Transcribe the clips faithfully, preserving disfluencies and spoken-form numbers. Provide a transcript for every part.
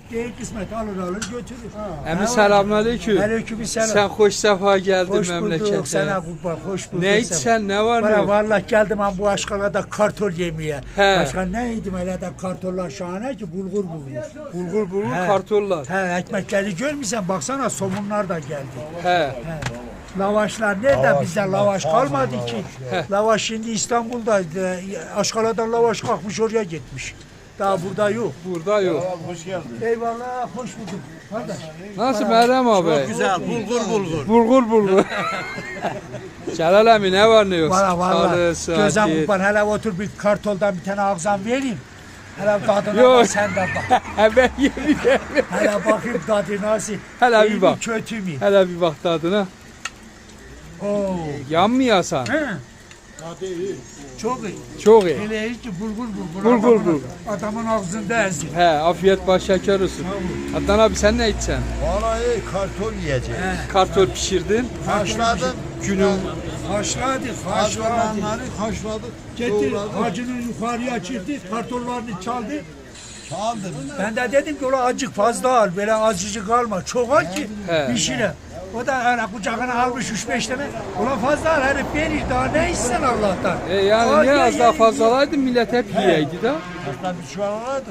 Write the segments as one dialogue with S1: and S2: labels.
S1: Değil kısmet alır alır götürür.
S2: Əmi selamünaleyküm.
S1: Aleykümselam.
S2: Sen hoş sefa geldin
S1: Hoş
S2: memlekete.
S1: bulduk sana kurban, hoş bulduk.
S2: Ne içsen ne var ne
S1: Bana
S2: yok?
S1: vallahi geldim ben bu aşkalada kartol yemeye.
S2: He.
S1: Başka ne yedim hele de kartollar şahane ki bulgur bulgur.
S2: Bulgur bulgur
S1: He.
S2: kartollar.
S1: He ekmekleri görmüşsen baksana somunlar da geldi.
S2: He.
S1: He. Lavaşlar nerede? Bizde lavaş kalmadı ki. Lavaş şimdi İstanbul'da. e, Aşkala'dan lavaş kalkmış oraya gitmiş. Daha burada yok.
S2: Burada yok.
S3: Hoş geldin.
S1: Eyvallah hoş bulduk. Kardeş.
S2: Nasıl Meryem abi?
S3: Güzel, bulgur bulgur.
S2: Bulgur bulgur. Celal abi ne var ne yok?
S1: Valla valla.
S2: Sağlığı,
S1: Gözüm
S2: sıhhati.
S1: kurban hele otur bir kartoldan bir tane ağzam vereyim. Hele tadına
S2: Yok.
S1: bak sen de bak.
S2: He ben yemeyeyim.
S1: Hele bakayım tadı nasıl.
S2: Hele bir
S1: İyi mi,
S2: bak.
S1: kötü mü?
S2: Hele bir bak tadına.
S1: Oo.
S2: Yanmıyorsan.
S1: He. Çok iyi.
S2: Çok iyi.
S1: Hele hiç bulgur bulgur.
S2: Bulgur
S1: adamın-
S2: bulgur.
S1: Adamın ağzında ezdi.
S2: He afiyet baş şeker olsun. Adnan abi sen ne içeceksin?
S3: Vallahi karton yiyeceğiz.
S2: Kartol pişirdin.
S3: Haşladım.
S2: Günün
S1: Haşladık, haşladık.
S3: Hazırlananları haşladık.
S1: Getir,
S3: Doğradık.
S1: hacının yukarıya çıktı, kartollarını çaldı.
S3: Çaldım.
S1: Ben de dedim ki ola azıcık fazla al, böyle azıcık alma. Çok al ki
S2: He.
S1: pişire. O da hani kucağına almış üç beş tane. Ola fazla al, herif verir daha ne istersen Allah'tan.
S2: E yani
S1: Al,
S2: ne
S1: ye,
S2: az
S1: ye,
S2: daha
S1: ye.
S2: fazla alaydı millet hep yiyeydi de.
S3: Hatta bir çuval alırdık.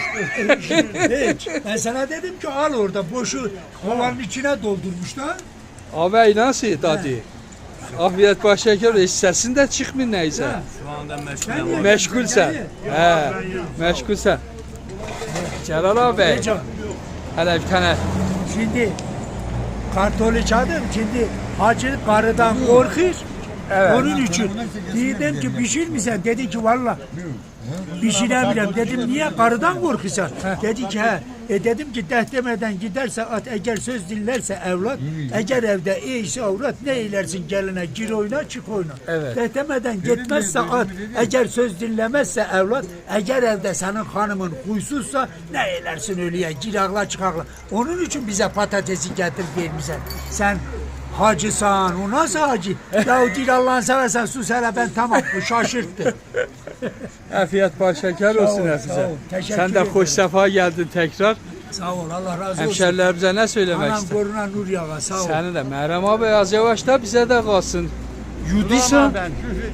S1: Hiç. Ben sana dedim ki al orada boşu kovanın içine doldurmuşlar.
S2: Abi nasıl tadı? Afiyet baş şeker olsun. Sesin de çıkmıyor neyse.
S1: Sen ye,
S2: Meşgulsen.
S1: sen ye.
S2: He. Meşgulsen. Celal abi.
S1: Ne canım?
S2: Hele bir tane.
S1: Şimdi kartolu çaldım. Şimdi hacı karıdan korkuyor. Onun için dedim ki pişirmişsen, dedi ki valla pişiremiyorum. Dedim niye karıdan korkuyorsun? Dedi ki he. E dedim ki deh demeden giderse at, eğer söz dinlerse evlat, eğer evde iyiyse avrat, ne eylersin geline, gir oyna çık oyna.
S2: Evet.
S1: Deh demeden gitmezse at, eğer söz dinlemezse evlat, eğer evde senin hanımın huysuzsa ne eylersin ölüye, gir ağla çık ağla. Onun için bize patatesi getir vermişsen. Sen hacısan, o nasıl hacı? Ya değil Allah'ını seversen sus hele ben tamam, bu şaşırttı.
S2: Afiyet baş şeker olsun
S1: ol, sağ
S2: hepinize.
S1: ol. Teşekkür
S2: Sen de
S1: ederim.
S2: hoş sefa geldin tekrar.
S1: Sağ ol, Allah razı olsun.
S2: Hemşerilerimize ne söylemek
S1: Anam
S2: ister?
S1: koruna nur yağa, sağ ol.
S2: Seni de Meryem abi az yavaş da bize de kalsın. Yuduysa
S3: Ben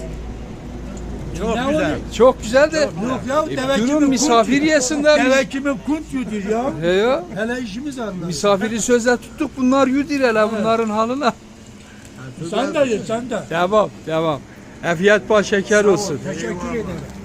S3: çok
S1: Ne
S3: güzel.
S1: oluyor?
S2: çok güzel de.
S1: Yok ya,
S2: E,
S1: deve
S2: durun
S1: kimin
S2: misafir
S1: kunt-
S2: yesinler.
S1: Deve kimin kunt yudur ya.
S2: He ya.
S1: Hele işimiz anlar.
S2: Misafiri sözle tuttuk bunlar yudur hele bunların halına.
S1: Sen de ye, sen de.
S2: Devam devam. Afiyet baş şeker olsun.
S1: Teşekkür ederim.